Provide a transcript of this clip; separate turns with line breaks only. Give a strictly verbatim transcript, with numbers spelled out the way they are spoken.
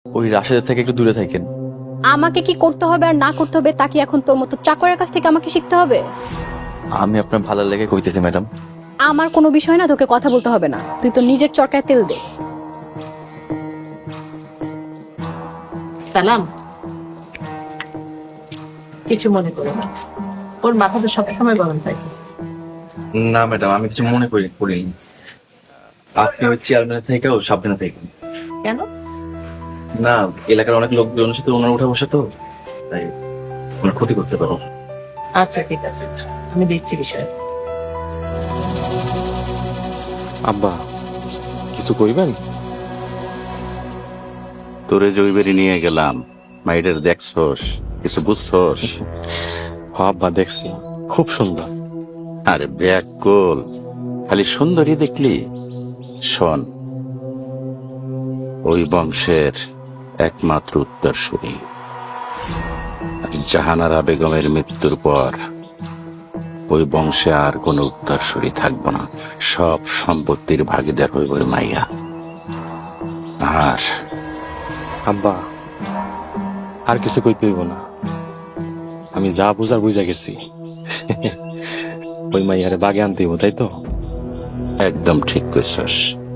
ওই রাশেদের থেকে একটু দূরে থাকেন।
আমাকে কি করতে হবে আর না করতে হবে তা কি এখন তোর মতো চাকরের কাছ থেকে আমাকে শিখতে হবে?
আমি আপনার ভালো লেগে কইতেছি ম্যাডাম।
আমার কোনো বিষয় না, তোকে কথা বলতে হবে না, তুই তো নিজের চরকায় তেল দে।
সালাম, কিছু মনে করো না, ওর মাথাটা সবসময় গরম থাকে।
না ম্যাডাম, আমি কিছু মনে করি করিনি। আপনি ওই চেয়ারম্যানের থেকেও সাবধানে থাকেন।
কেন?
না, এলাকার অনেক লোকজনের সাথে ওনার উঠা বসে তো, তাই ওনার ক্ষতি করতে পারো।
আচ্ছা ঠিক আছে, আমি দেখছি বিষয়।
আব্বা কিছু কইবেন?
তোরে জৈবেরি নিয়ে গেলাম, মাইডের দেখছস, কিছু বুঝছস?
হ আব্বা দেখছি, খুব সুন্দর।
আরে ব্যাকুল, খালি সুন্দরী দেখলি? শোন, ওই বংশের একমাত্র উত্তরসূরি। আর জাহানারা বেগমের মৃত্যুর পর ওই বংশে আর কোনো উত্তরসূরি থাকবো না, সব সম্পত্তির ভাগিদার হইব ওই মাইয়া। আর
আব্বা আর কিছু কইতে হইব না, আমি যা বুঝার বুঝা গেছি। ওই মাইয়ারে বাগে আনতে হইব, তাই তো?
একদম ঠিক কইছস।